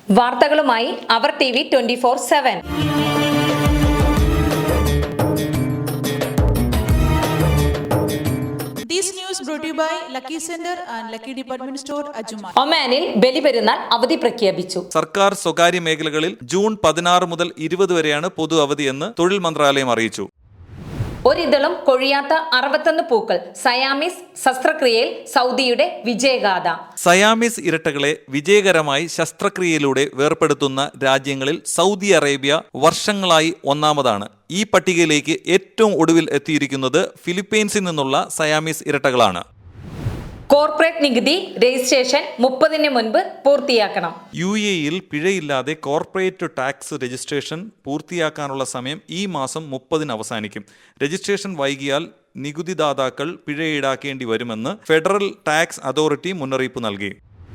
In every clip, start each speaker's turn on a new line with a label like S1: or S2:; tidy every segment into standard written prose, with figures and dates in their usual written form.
S1: വാർത്തകളുമായി അവർ TV 24/7.
S2: This news brought to you by Lucky Center and Lucky Department Store, Ajuma.
S1: ഒമാനിൽ ബലിപെരുന്നാൾ അവധി പ്രഖ്യാപിച്ചു.
S3: സർക്കാർ സ്വകാര്യ മേഖലകളിൽ ജൂൺ 16 മുതൽ 20 വരെയാണ് പൊതു അവധിയെന്ന് തൊഴിൽ മന്ത്രാലയം അറിയിച്ചു.
S1: ഒരിതളും കൊഴിയാത്ത 61 പൂക്കൾ സയാമീസ് ശസ്ത്രക്രിയയിൽ സൗദിയുടെ വിജയഗാഥ.
S3: സയാമീസ് ഇരട്ടകളെ വിജയകരമായി ശസ്ത്രക്രിയയിലൂടെ വേർപെടുത്തുന്ന രാജ്യങ്ങളിൽ സൗദി അറേബ്യ വർഷങ്ങളായി ഒന്നാമതാണ്. ഈ പട്ടികയിലേക്ക് ഏറ്റവും ഒടുവിൽ എത്തിയിരിക്കുന്നത് ഫിലിപ്പീൻസിൽ നിന്നുള്ള സയാമീസ് ഇരട്ടകളാണ്.
S1: കോർപ്പറേറ്റ് നികുതി രജിസ്ട്രേഷൻ 30-ന് മുൻപ് പൂർത്തിയാക്കണം.
S3: UAE-യിൽ പിഴയില്ലാതെ കോർപ്പറേറ്റ് ടാക്സ് രജിസ്ട്രേഷൻ പൂർത്തിയാക്കാനുള്ള സമയം ഈ മാസം 30-ന് അവസാനിക്കും. രജിസ്ട്രേഷൻ വൈകിയാൽ നികുതിദാതാക്കൾ പിഴ ഈടാക്കേണ്ടി വരുമെന്ന് ഫെഡറൽ ടാക്സ് അതോറിറ്റി മുന്നറിയിപ്പ് നൽകി.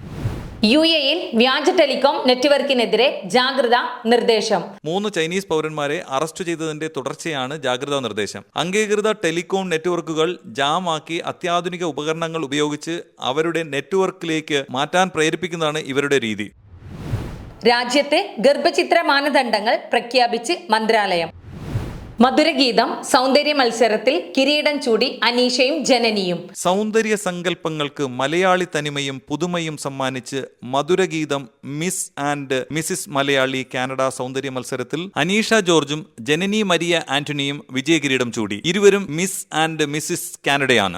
S1: UAE-യിൽ വ്യാജ ടെലികോം നെറ്റ്വർക്കിനെതിരെ ജാഗ്രതാ നിർദ്ദേശം.
S3: 3 ചൈനീസ് പൗരന്മാരെ അറസ്റ്റ് ചെയ്തതിന്റെ തുടർച്ചയാണ് ജാഗ്രതാ നിർദ്ദേശം. അംഗീകൃത ടെലികോം നെറ്റ്വർക്കുകൾ ജാമാക്കി അത്യാധുനിക ഉപകരണങ്ങൾ ഉപയോഗിച്ച് അവരുടെ നെറ്റ്വർക്കിലേക്ക് മാറ്റാൻ പ്രേരിപ്പിക്കുന്നതാണ് ഇവരുടെ രീതി.
S1: രാജ്യത്തെ ഗർഭചിത്ര മാനദണ്ഡങ്ങൾ പ്രഖ്യാപിച്ച് മന്ത്രാലയം. മധുരഗീതം സൗന്ദര്യ മത്സരത്തിൽ കിരീടം ചൂടി അനീഷയും ജനനിയും.
S3: സൗന്ദര്യ സങ്കല്പങ്ങൾക്ക് മലയാളി തനിമയും പുതുമയും സമ്മാനിച്ച് മധുരഗീതം miss and Mrs Malayali Canada സൗന്ദര്യ മത്സരത്തിൽ അനീഷ ജോർജും ജനനി മരിയ ആന്റണിയും വിജയകിരീടം ചൂടി. ഇരുവരും മിസ് ആൻഡ് മിസിസ് കാനഡയാണ്.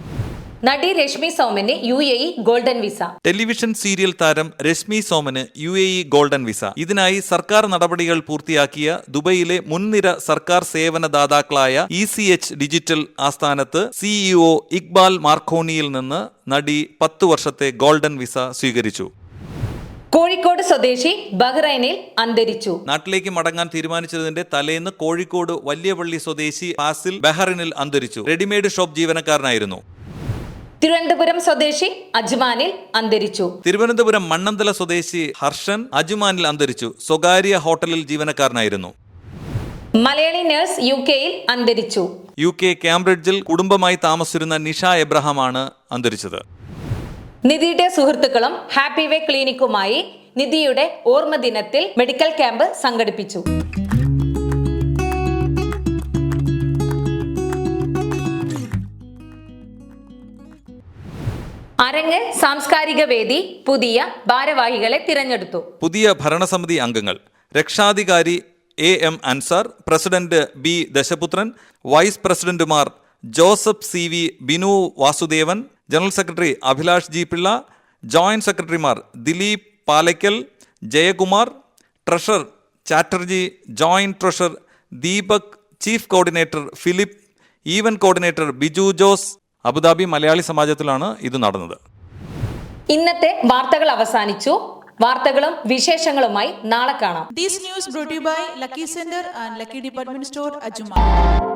S1: നടി രശ്മി സോമന് UAE golden visa.
S3: Television serial താരം രശ്മി സോമന് UAE ഗോൾഡൻ വിസ. ഇതിനായി സർക്കാർ നടപടികൾ പൂർത്തിയാക്കിയ ദുബൈയിലെ മുൻനിര സർക്കാർ സേവന ദാതാക്കളായ ECH ഡിജിറ്റൽ ആസ്ഥാനത്ത് CEO ഇക്ബാൽ മാർക്കോണിയിൽ നിന്ന് നടി 10 വർഷത്തെ ഗോൾഡൻ വിസ സ്വീകരിച്ചു.
S1: കോഴിക്കോട് സ്വദേശി ബഹ്റൈനിൽ അന്തരിച്ചു.
S3: നാട്ടിലേക്ക് മടങ്ങാൻ തീരുമാനിച്ചതിന്റെ തലേന്ന് കോഴിക്കോട് വലിയപള്ളി സ്വദേശി ഫാസിൽ ബഹ്റൈനിൽ അന്തരിച്ചു. Readymade shop ജീവനക്കാരനായിരുന്നു.
S1: തിരുവനന്തപുരം സ്വദേശി അജ്മാനിൽ അന്തരിച്ചു.
S3: തിരുവനന്തപുരം മണ്ണന്തല സ്വദേശി ഹർഷൻ അജ്മാനിൽ അന്തരിച്ചു. സ്വകാര്യ ഹോട്ടലിൽ ജീവനക്കാരനായിരുന്നു.
S1: മലയാളി നഴ്സ് UK-യിൽ അന്തരിച്ചു.
S3: UK കാംബ്രിഡ്ജിൽ കുടുംബമായി താമസിച്ചിരുന്ന നിഷ എബ്രഹാമാണ് അന്തരിച്ചത്.
S1: നിധിയുടെ സുഹൃത്തുക്കളും ഹാപ്പി വേ ക്ലിനിക്കുമായി നിധിയുടെ ഓർമ്മ ദിനത്തിൽ മെഡിക്കൽ ക്യാമ്പ് സംഘടിപ്പിച്ചു. അരങ്ങ് സാംസ്കാരിക വേദി പുതിയ ഭാരവാഹികളെ തിരഞ്ഞെടുത്തു.
S3: പുതിയ ഭരണസമിതി അംഗങ്ങൾ: രക്ഷാധികാരി AM Ansar, president B Dashaputhran, vice പ്രസിഡന്റുമാർ Joseph CV Binu Vasudevan, general secretary Abhilash G Pillai, joint സെക്രട്ടറിമാർ Dileep Palakkal, Jayakumar, treasurer Chatterjee, joint treasurer Deepak, chief coordinator Philip, event coordinator Biju Jose. Abu Dhabi Malayali സമാജത്തിലാണ് ഇത് നടന്നത്.
S1: ഇന്നത്തെ വാർത്തകൾ അവസാനിച്ചു. വാർത്തകളും വിശേഷങ്ങളുമായി നാളെ കാണാം.
S2: This news brought to you by Lucky Center and Lucky Department Store, Ajuma.